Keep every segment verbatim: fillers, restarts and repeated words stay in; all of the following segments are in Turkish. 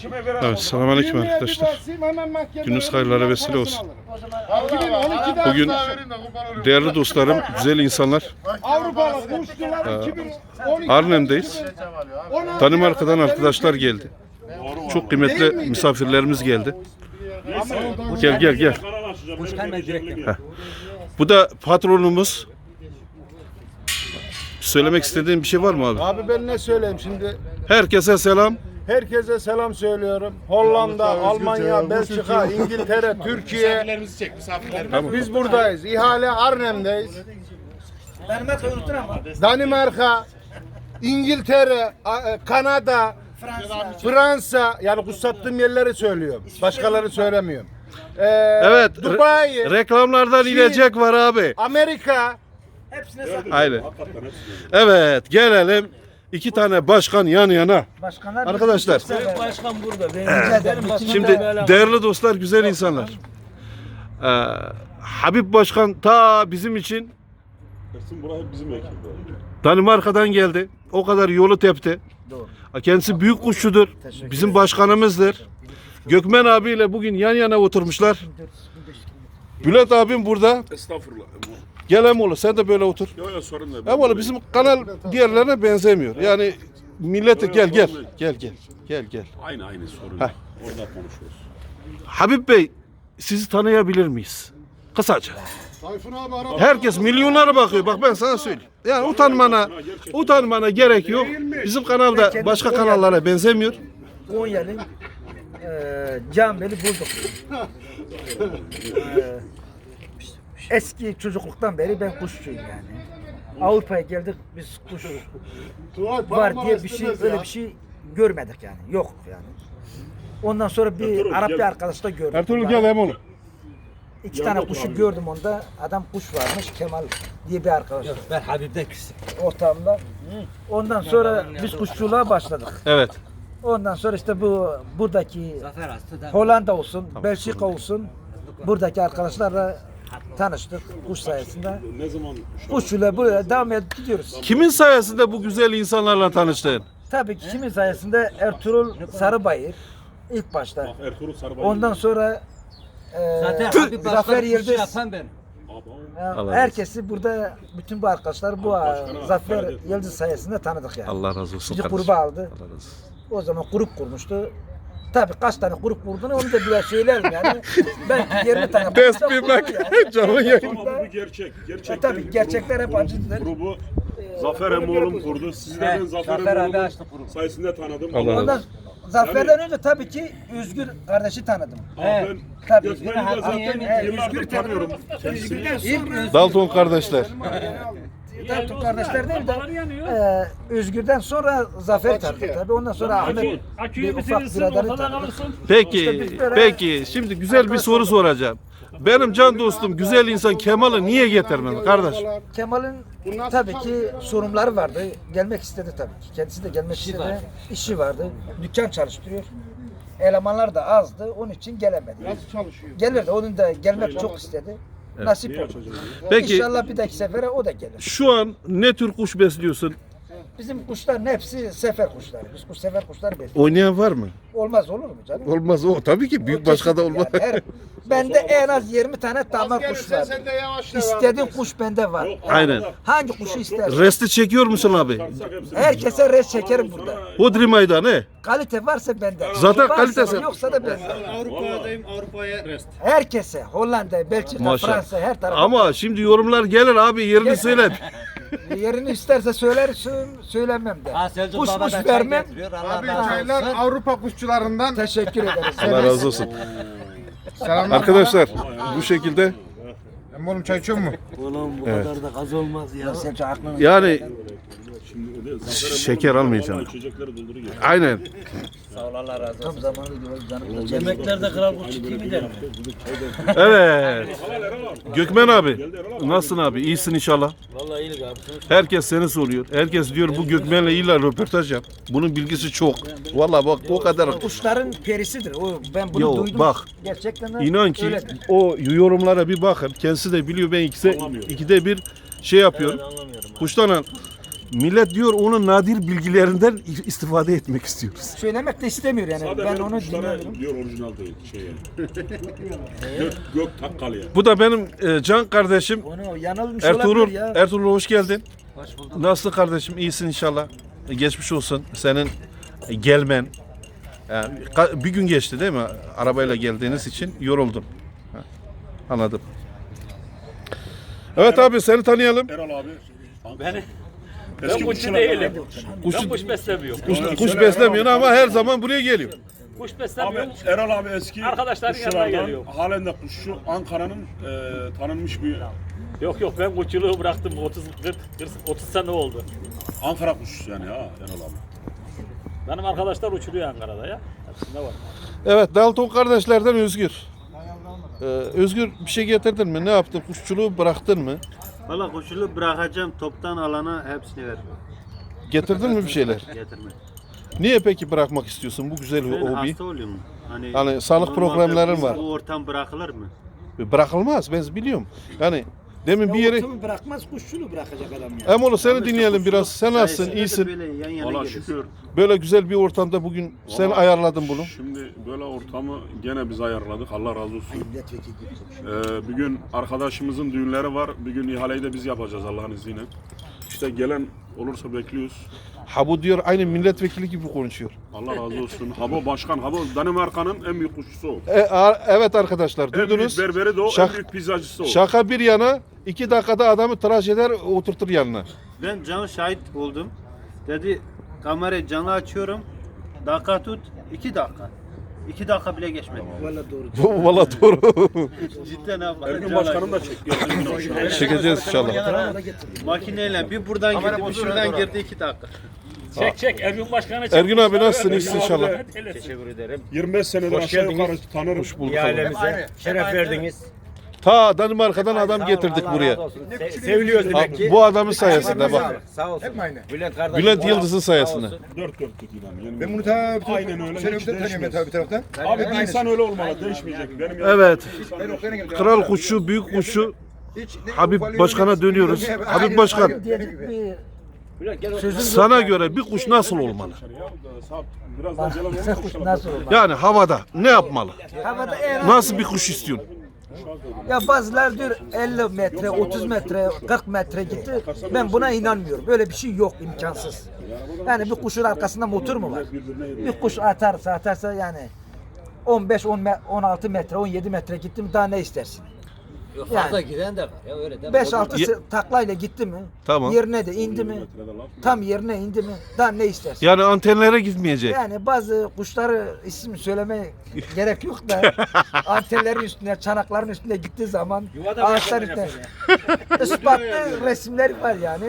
Evet, selamünaleyküm arkadaşlar. Gününüz hayırlara vesile olsun. Bugün değerli dostlarım, güzel insanlar, Arnhem'deyiz. Danimarka'dan arkadaşlar geldi. Çok kıymetli misafirlerimiz geldi. Gel gel gel. Heh. Bu da patronumuz. Söylemek istediğin bir şey var mı abi? Abi ben ne söyleyeyim şimdi? Herkese selam. Herkese selam söylüyorum. Hollanda, Almanya, Belçika, İngiltere, Türkiye. Biz buradayız. İhale Arnhem'deyiz. Danimarka, İngiltere, Kanada, Fransa. Yani kutsattığım yerleri söylüyorum. Başkaları söylemiyorum. Ee, Evet. Dubai, Re- reklamlardan Çin, inecek var abi. Amerika. Aynen. Evet, gelelim. İki tane başkan yan yana. Başkanlar Arkadaşlar. Başkan burada. Benim Şimdi değerli dostlar, güzel insanlar. Ee, Habib Başkan ta bizim için Danimarka'dan geldi. O kadar yolu tepti. Doğru. Kendisi büyük kuşçudur. Bizim başkanımızdır. Gökmen abiyle bugün yan yana oturmuşlar. Bülent abim burada. Estağfurullah. Gel Emoğlu, sen de böyle otur. Yok yok sorun değil. Emoğlu, bizim kanal diğerlerine benzemiyor. Yani millete gel gel. Gel gel. Gel gel. Aynı aynı sorun. Heh. Orada konuşuyoruz. Habib Bey, sizi tanıyabilir miyiz? Kısaca. Tayfun abi araba. Herkes milyonlara bakıyor. Bak ben sana söyleyeyim. Yani utanmana, utanmana gerek yok. Bizim kanalda başka kanallara benzemiyor. Konya'nın eee Cambeli bulduk. Eee, eski çocukluktan beri ben kuşçuyum yani. Avrupa'ya geldik, biz kuş var diye bir şey, öyle bir şey görmedik yani. Yok yani. Ondan sonra bir Ertuğrul, Arap gel. bir arkadaşla gördüm. Ertuğrul gel Emoğlu. İki Yanında tane otur kuşu abi. gördüm onda. Adam kuş varmış, Kemal diye bir arkadaş. Ben Habib'den küstüm. Ortamda. Ondan sonra biz kuşçuluğa başladık. Evet. Ondan sonra işte bu buradaki Zafer hasta da. Hollanda olsun, Belçika olsun, buradaki arkadaşlarla tanıştık kuş sayesinde. Ne zaman Kuşçuluğa böyle devam edip gidiyoruz. Kimin sayesinde bu güzel insanlarla tanıştın? Tabii ki kimin sayesinde Ertuğrul Sarıbayır ilk başta. Bak Ertuğrul Sarıbay. Ondan sonra e, Zaten Habib Zafer Başkan'ı kuşu Yıldız. yapan ben. e, Allah razı herkesi burada, bütün bu arkadaşlar bu Başkan'a Zafer hakaret etme. Yıldız sayesinde tanıdık yani. Allah razı olsun Bizi kardeşim. gruba aldı. Allah razı olsun. O zaman grup kurmuştu. Tabii kaç tane grup kurduğunu onu da biraz söylerim yani. Ben yirmi tane Tespih kurdu bak. yani. Canlı yayın. Ama bu gerçek. E, Gerçekten tabii gerçekler hep acıdır. grubu Zafer Emoğlu'm kurdu. Sizi de ben Zafer Zafer abi Emoğlu'm açtı grubu. sayesinde tanıdım. Allah razı Ondan olsun. Zafer'den önce tabii ki Özgür kardeşi tanıdım. Aa, ben Tabii. Gökmen'i de zaten Evet, yıllardır tanıyorum. Kendisini. İlk Dalton kardeşler. Dalton kardeşler değil de e, Özgür'den sonra Zafer tanıdık tabii. Ondan sonra Ahmet bir ufak biraderi tanıdık. Peki, peki. Şimdi güzel bir soru soracağım. Benim can dostum, güzel insan Kemal'i niye getirmedi kardeş? Kemal'in tabii ki sorunları vardı. Gelmek istedi tabii ki. Kendisi de gelmek istedi. var. İşi vardı. Dükkan çalıştırıyor. Elemanlar da azdı. Onun için gelemedi. Nasıl çalışıyor? Gelirdi. Onun da gelmek çok istedi. Nasip oldu. Peki, İnşallah bir dahaki sefere o da gelir. şu an ne tür kuş besliyorsun? Bizim kuşların hepsi sefer kuşları. Biz kuş sefer kuşları besliyoruz. Oynayan var mı? Olmaz olur mu canım? Olmaz o. Tabii ki büyük başka da olmaz. Yani her- bende en az yirmi tane damar kuş var. Sen de yavaşla. İstediğin kuş bende var. Aynen. Hangi kuşu istersen. Resti çekiyor musun abi? Herkese res çekerim burada. Hodri meydan he? Kalite varsa bende. Zaten Varsa kalitesi- yoksa da bende. Avrupa'dayım, Avrupa'ya rest. Herkese Hollanda, Belçika, Maşallah. Fransa her tarafa. Ama şimdi yorumlar gelir abi, yerini söyle. Yerini isterse söylersin, söylemem de. Ha Selçuk Kuş Baba kuş da çay vermem. getiriyor. Allah Abi razı çaylar olsun. Avrupa kuşçularından. Teşekkür ederiz. Allah razı olsun. Selamlar. Arkadaşlar bu şekilde Emre oğlum çay içiyor mu? Ulan bu kadar da gaz olmaz ya. Selçuk aklını. yani Şimdi öyle Zafer Emoğlu'm Şeker almayacağım. vallahi içecekleri dolduruyor. aynen. Tam zamanı gibi canım. Yemeklerde kral kuşu gibi der. Evet. Gökmen abi. Nasılsın abi? İyisin inşallah. Vallahi iyilik abi. Herkes seni soruyor. Herkes diyor bu Gökmen'le illa röportaj yap. Bunun bilgisi çok. Vallahi bak o kadar. Kuşların perisidir. O ben bunu Yo, duydum. bak. Gerçekten de İnan ki öyledir. o yorumlara bir bakın. Kendisi de biliyor, ben ikide, ikide bir şey yapıyorum. Anlamıyorum. Kuştan Millet diyor onun nadir bilgilerinden istifade etmek istiyoruz. Söylemek de istemiyor yani. Sadece Ben benim onu kuşlara dinliyorum. diyor orijinal değil. Şey yani. gök, gök takkalı yani. Bu da benim e, can kardeşim Onu yanılmış Ertuğrul. olabilir ya. Ertuğrul hoş geldin. Hoş bulduk. Nasıl kardeşim? İyisin inşallah. E, Geçmiş olsun. Senin e, gelmen. Yani ka- bir gün geçti değil mi? Arabayla geldiğiniz için yoruldun. Ha, anladım. Evet abi seni tanıyalım. Erol abi. Beni Eski ben kuşçu kuşçular- değilim. Kuş, Ben kuş beslemiyorum. kuş, Söyle, kuş söyle, beslemiyorsun Erol abi. ama her zaman buraya geliyor. Kuş Abi beslemiyorum. Erol abi eski Arkadaşların yanına kuşçulardan, geliyor. halen de kuşçu Ankara'nın e, tanınmış bir Yok yok ben kuşçuluğu bıraktım otuz kırk otuz sene oldu. Ankara kuşçusu yani ha Erol abi. Benim arkadaşlar uçuruyor Ankara'da ya. Hepsinde var. Evet Dalton kardeşlerden Özgür. Ee, Özgür bir şey getirdin mi? Ne yaptın? Kuşçuluğu bıraktın mı? Valla koşulu bırakacağım toptan alana hepsini ver. Getirdin mi bir şeyler? Getirme. Niye peki bırakmak istiyorsun bu güzel Ben hobi? hasta oluyorum. Hani, Hani sağlık normalde problemlerin bu- var. Bu ortam bırakılır mı? Bırakılmaz ben biliyorum. Yani demin bir yere... Otumu bırakmaz kuşçuluğu bırakacak adam ya. Emoğlu seni Ama işte dinleyelim kuşçuluk biraz. Sen nasılsın? sayesinde de İyisin. Böyle yan yana Valla geliriz. şükür. Böyle güzel bir ortamda bugün sen Vallahi ayarladın bunu. Şimdi böyle ortamı gene biz ayarladık. Allah razı olsun. Ee, bir gün arkadaşımızın düğünleri var. Bir gün ihaleyi de biz yapacağız Allah'ın izniyle. İşte gelen olursa bekliyoruz. Ha bu diyor aynı milletvekili gibi konuşuyor. Allah razı olsun. Habo başkan, Habo Danimarka'nın en büyük kuşçusu o. E, a- evet arkadaşlar En büyük duydunuz. berberi de o, Şak- en büyük pizzacısı o. Şaka bir yana iki dakikada adamı tıraş eder oturtur yanına. Ben canlı şahit oldum. Dedi kamerayı canlı açıyorum. Dakika tut. iki dakika. İki dakika bile geçmedi. Valla doğru. Valla doğru. Cidden abi. Ergün başkanım da çekiyor. Çekeceğiz inşallah. Makineyle bir buradan girdi, bir şuradan girdi iki dakika. Çek çek Ergün Başkan'a çek. Ergün abi nasılsın? İyisin inşallah. Teşekkür ederim. yirmi beş senedir aşağı yukarı tanırım. Hoş bulduk. Ailemize şeref verdiniz. Ta Danimarka'dan adam getirdik buraya. Se- seviliyoruz demek Ha, ki. bu adamın sayesinde bak. Sağ olsun. Hep aynı. Bülent kardeşim. Bülent Yıldız'ın sayesinde. Dört dörtlük yani. Yani Ben bunu ta bir Aynen öyle, Seni hiç öbür tanıyorum ben ta bir taraftan. Abi bir insan öyle olmalı, değişmeyecek. Benim Evet. Ben oklarına geldim. Kral kuşu, büyük kuşu Hiç ne Habib ufalıyor, Başkan'a ne- dönüyoruz. Aynen, Habib Başkan, aynen. Diyecek bir Bülent gel otur. sözüm yok. sana göre bir kuş nasıl olmalı? Biraz daha gelen Sen kuş nasıl olmalı? Yani havada ne yapmalı? Havada eğer Nasıl bir kuş istiyorsun? ya bazılar diyor elli metre, otuz metre, kırk metre gitti. Ben buna inanmıyorum. Böyle bir şey yok, imkansız. Yani bir kuşun arkasında motor mu var? Bir kuş atarsa atarsa yani on beş, on me- on altı metre, on yedi metre gitti mi daha ne istersin? Yok, Yani. fazla giden de var. Ya öyle de. beş altı Ye- taklayla gitti mi? Tamam. Yerine de indi mi? Tam yerine indi mi? Daha ne istersin? Yani antenlere gitmeyecek. Yani bazı kuşları isim söylemeye gerek yok da antenlerin üstüne, çanakların üstüne gittiği zaman ağaçlar üstüne ispatlı resimleri var yani.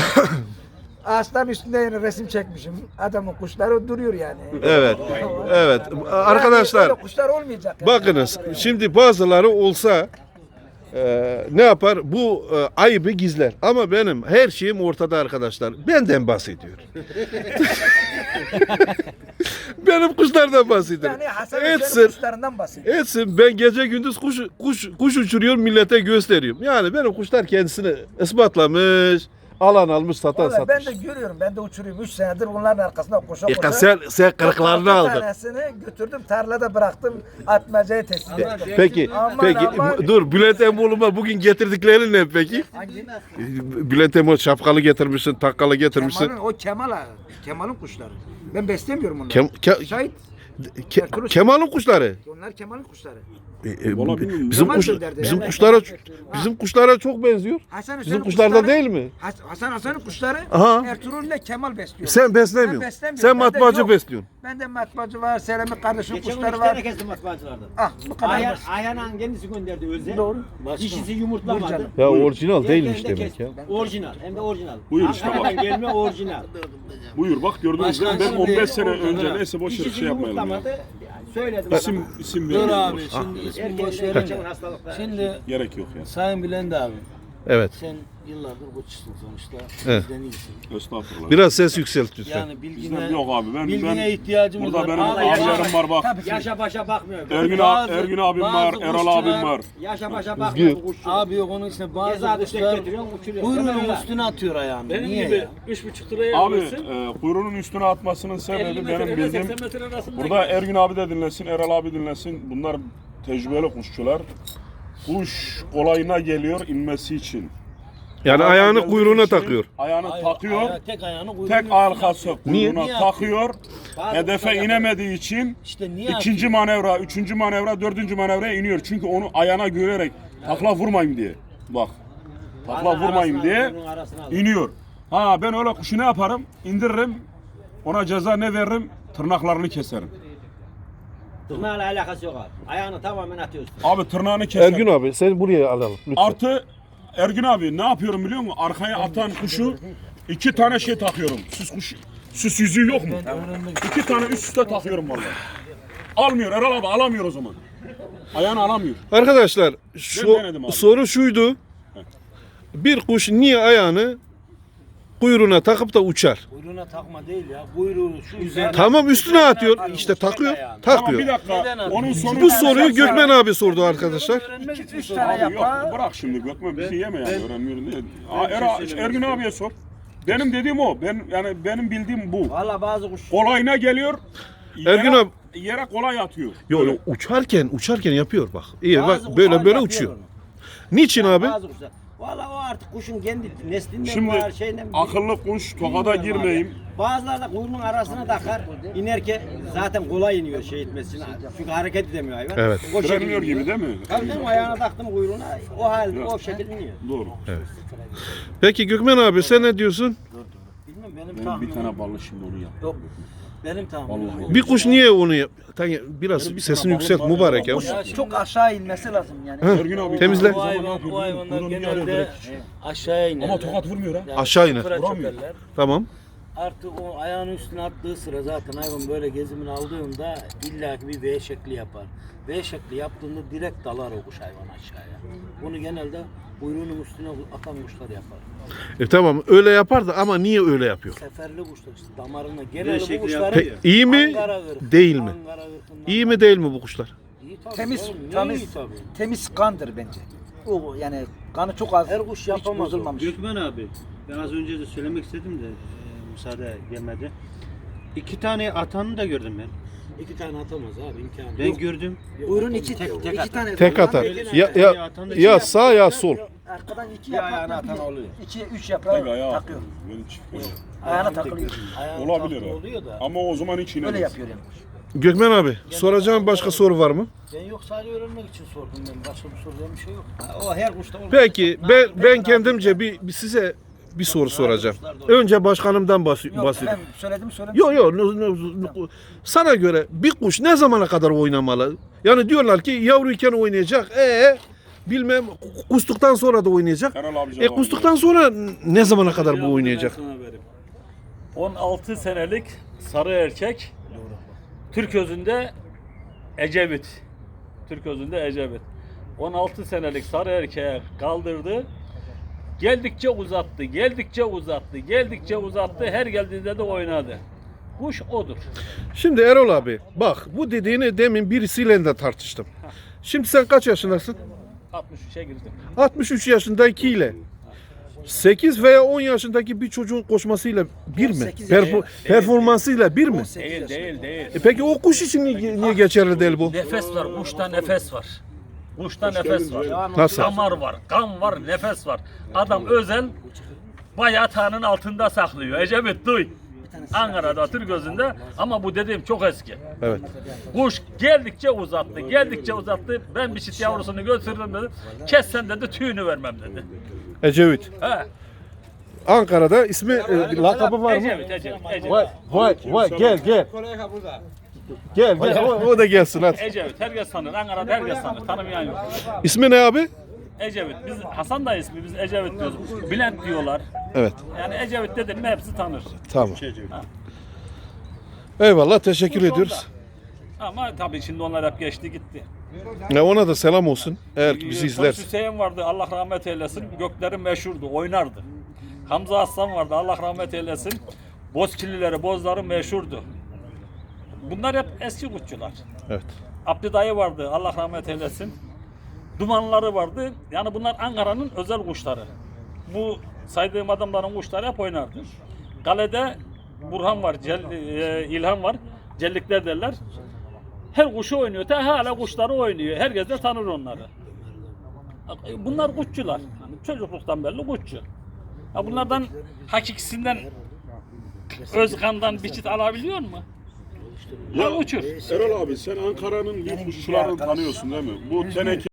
Ağaçların üstünde yani resim çekmişim. Adamın kuşları duruyor yani. Evet. Evet. Arkadaşlar Yani böyle kuşlar olmayacak. yani. bakınız şimdi bazıları olsa e, ne yapar? Bu e, ayıbı gizler. Ama benim her şeyim ortada arkadaşlar. Benden bahsediyor. Benim kuşlardan bahsediyor. Yani Hasan Hüseyin'in Etsin. kuşlarından bahsediyor. Etsin ben gece gündüz kuş kuş kuş uçuruyorum millete gösteriyorum. Yani benim kuşlar kendisini ispatlamış, alan almış, satan Vallahi ben satmış. de görüyorum. Ben de uçuruyorum. Üç senedir onların arkasında koşa E, koşa. sen sen kırıklarını altı aldın. tanesini götürdüm tarlada bıraktım. Atmacaya teslim ettim. Peki, Aman, peki aman. dur Bülent Emoğlu'ma bugün getirdiklerin ne peki? Hangi? Bülent Emoğlu şapkalı getirmişsin, takkalı getirmişsin. Kemal'in, o Kemal ha. Kemal'in kuşları. Ben beslemiyorum onları. Kem, ke- Şahit. ke- Kemal'in kuşları. Onlar Kemal'in kuşları. E, e, Vallahi bilmiyorum. bizim Kemal kuş, gönderdi. bizim Evet. kuşlara bizim kuşlara çok benziyor. Hasan Bizim Hüseyin'in kuşlarda kuşları- değil mi? Has- Hasan Hasan'ın kuşları Aha. Ertuğrul ile Kemal besliyor. Sen Ben beslemiyorsun. beslemiyorum. Sen Bende matbaacı yok. besliyorsun. Bende matbaacı var, Selami kardeşim Geçen gün kuşları iki var. tane kestim matbaacılardan. Ah bu kadar. Ayhan, basit. Ayhan'ın kendisi gönderdi özel. Doğru. Dişisi yumurtlamadı. Buyur canım. Ya orijinal değilmiş Diğerlerinde demek ya. kestim. Orijinal. Hem de orijinal. Buyur işte bak. Ankara'dan gelme orijinal. Buyur bak gördünüz değil mi? Ben Başkan on beş şimdi sene orada, önce ha. neyse boş yere Dişisi şey yapmayalım. ya. yumurtlamadı. Yani söyledim. İsim isim Dur vermeyelim. abi boş. şimdi ismi Erken boş de verin. geçen hastalıklar. Şimdi Gerek yok ya. Sayın Bülent abi Evet. Sen yıllardır koçsun sonuçta. Evet. Bizden iyisin. Estağfurullah. Biraz ses yükselt lütfen. Yani bilgine, Bizden yok abi. Ben, bilgine ben ihtiyacımız burada var. benim Vallahi abilerim var bak. Yaşa başa bakmıyor. Ergün, Bazı- Ergün abim var, bazı Erol kuşçular- abim var. Yaşa başa bakmıyor bu kuşçu. Abi yok onun için bazı Ceza düşecek kuşlar getiriyorsun, uçuruyor. kuyruğunun Hemen öyle. üstüne atıyor ayağını. Benim Niye gibi ya? üç buçuk liraya Abi alıyorsun. e, kuyruğunun üstüne atmasının sebebi elli benim metre, bildiğim. seksen metre arasında Burada gidiyor. Ergün abi de dinlesin, Erol abi dinlesin. Bunlar tecrübeli kuşçular. Kuş kolayına geliyor inmesi için. Yani Ayağına ayağını geldiği kuyruğuna için takıyor. Ayağını Aya- takıyor. aya- tek ayağını kuyruğunun Tek üstüne arkası atıyor. kuyruğuna Niye takıyor. Bazı Hedefe kuşlar inemediği için İşte niye ikinci atıyor? manevra, üçüncü manevra, dördüncü manevraya iniyor. Çünkü onu ayağına güvenerek takla vurmayayım diye. Bak. Takla Arasına vurmayayım al, diye kuyruğun arasına al. iniyor. Ha ben öyle kuşu ne yaparım? İndiririm. Ona ceza ne veririm? Tırnaklarını keserim. Tırnağıyla alakası yok abi. Ayağını tamamen atıyorsun. Abi tırnağını keserim. Ergün abi seni buraya alalım lütfen. Artı Ergün abi ne yapıyorum biliyor musun? Arkaya atan kuşu iki tane şey takıyorum. Süs kuşu. Süs yüzüğü yok mu? İki tane üst üste takıyorum vallahi. Almıyor Erol abi alamıyor o zaman. Ayağını alamıyor. Arkadaşlar Ben şu denedim abi. soru şuydu. Bir kuş niye ayağını kuyruğuna takıp da uçar? Kuyruğuna takma değil ya. Kuyruğu şu üzerine. Tamam üstüne atıyor. İşte takıyor. Tamam bir Takıyor. dakika. Onun sonu Bu soruyu Gökmen abi sordu arkadaşlar. İki, üç Abi tane yok yapar. bırak şimdi Gökmen bizi yeme yani öğrenmiyorum diye. Aa, Era- Ergün abiye sor. Benim dediğim o. Ben yani benim bildiğim bu. Valla bazı kuş. Kolayına geliyor. Yere, Ergün abi- yere kolay atıyor. Yok Böyle. yok uçarken uçarken yapıyor bak. İyi Bazı bak kuşlar böyle böyle yapıyor uçuyor. onu. Niçin abi? Bazı kuşlar. Valla o artık kuşun kendi neslinden Şimdi var şeyinden. akıllı kuş tokada Bilmiyorum abi. girmeyeyim. Bazıları da kuyruğunun arasına takar. İnerken zaten kolay iniyor şey etmesine. Çünkü hareket edemiyor hayvan. Evet. O şekilde Frenliyor iniyor. gibi değil mi? Tabii canım ayağına taktım kuyruğuna o hal o şekilde iniyor. Doğru. Peki Gökmen abi sen ne diyorsun? Bilmem benim Benim bir tahminim. tane ballı şimdi onu yap. Yok. Benim tahminim. Vallahi. Bir kuş niye onu yap? Tabii biraz Benim bir sesini tane yükselt balım var, mübarek ya. balım var. Çok aşağı inmesi lazım yani. Heh, Ergün abi temizle. Bu hayvan, bu hayvanlar Bunu niye arıyor genelde direkt? aşağıya iner. Ama tokat vurmuyor ha. Yani Aşağı iner. sıfıra Vuramıyor. çökerler. Tamam. Artık o ayağının üstüne attığı sıra zaten hayvan böyle gezimini aldığında illaki bir V şekli yapar. V şekli yaptığında direkt dalar o kuş hayvan aşağıya. Bunu genelde kuyruğunun üstüne atan kuşlar yapar. E tamam öyle yapardı ama niye öyle yapıyor? Seferli kuşlar işte damarına genelde bu kuşların Peki iyi mi Ankara ırkı, değil mi? Ankara ırkından- İyi mi değil mi bu kuşlar? İyi tabii Temiz, canım, niye temiz, iyi tabii. temiz kandır bence. O yani kanı çok az. Her kuş hiç yapamaz o. bozulmamış. Gökmen abi, ben az önce de söylemek istedim de e, müsaade gelmedi. İki tane atanı da gördüm ben. İki tane atamaz abi imkanı Ben yok. gördüm. Buyurun iki, Tek- tek iki atar. tane. Tek atar. Ya, ya, Atan da ya sağ ya sol. Arkadan iki Bir ayağına yaprakla atan bir, oluyor. iki, üç Tek yaprağı ayağı takıyor. Böyle çift ayağı. Ayağına takılıyor. Ayağın Olabilir tatlı ha. oluyor da. Ama o zaman hiç inemez. Öyle yapıyor yani. Gökmen abi soracağım başka soru var mı? Ben yok sadece öğrenmek için sordum ben. Başka bir soracağım bir şey yok. O her kuşta olur. Peki ben, ben kendimce bir, bir size bir soru soracağım. Önce başkanımdan bahs- Yok bahsedeyim. ben söyledim söyledim. Yok yok no- no- no- sana göre bir kuş ne zamana kadar oynamalı? Yani diyorlar ki yavruyken oynayacak. E bilmem kustuktan sonra da oynayacak. Erol abi E cevabı kustuktan sonra ne zamana kadar bu oynayacak? Ben sana vereyim. on altı senelik sarı erkek. Türk özünde Ecevit. Türk özünde Ecevit. on altı senelik sarı erkeğe kaldırdı. Geldikçe uzattı, geldikçe uzattı, geldikçe uzattı. Her geldiğinde de oynadı. Kuş odur. Şimdi Erol abi bak bu dediğini demin birisiyle de tartıştım. Şimdi sen kaç yaşındasın? altmış üçe girdim. altmış üç yaşındakiyle sekiz veya on yaşındaki bir çocuğun koşmasıyla bir mi? Perfor- performansıyla bir mi? Değil, değil, değil. E peki o kuş için niye, niye geçerli değil bu? Nefes var, kuşta nefes var. Kuşta nefes var. Nasıl? Damar var, kan var, nefes var. Adam özel bayağı tanın altında saklıyor. Ecevit duy. Ankara'da Türk gözünde ama bu dediğim çok eski. Evet. Kuş geldikçe uzattı, geldikçe uzattı. Ben bir çift yavrusunu götürdüm dedi. Kessen dedi, tüyünü vermem dedi. Ecevit. He. Ankara'da ismi e, lakabı var mı? Ecevit, Ecevit, Ecevit. Vay vay vay gel gel. Gel gel o, o da gelsin hadi. Ecevit, herkes tanır. Ankara'da herkes tanır. Tanımayan yok. İsmi ne abi? Ecevit. Biz Hasan da ismi, biz Ecevit diyoruz. Bülent diyorlar. Evet. Yani Ecevit dedim mi hepsi tanır. Tamam. Eyvallah teşekkür ediyoruz. Ama tabii şimdi onlar hep geçti gitti. Ne ona da selam olsun. Eğer bizi Polis izlerse. Hüseyin vardı, Allah rahmet eylesin. Gökleri meşhurdu, oynardı. Hamza Aslan vardı, Allah rahmet eylesin. Bozkirlileri, bozları meşhurdu. Bunlar hep eski kuşçular. Evet. Abdi dayı vardı, Allah rahmet eylesin. Dumanları vardı. Yani bunlar Ankara'nın özel kuşları. Bu saydığım adamların kuşları hep oynardı. Kalede Burhan var, Cel, e, İlhan var. Cellikler derler. Her kuşu oynuyor. Ta hala kuşları oynuyor. Herkes de tanır onları. Bunlar kuşçular. Yani çocukluktan beri kuşçu. Ya bunlardan hakikisinden Özkan'dan bir çift alabiliyor mu? Ya uçur. Erol abi sen Ankara'nın bir kuşçularını tanıyorsun değil mi? Bu teneke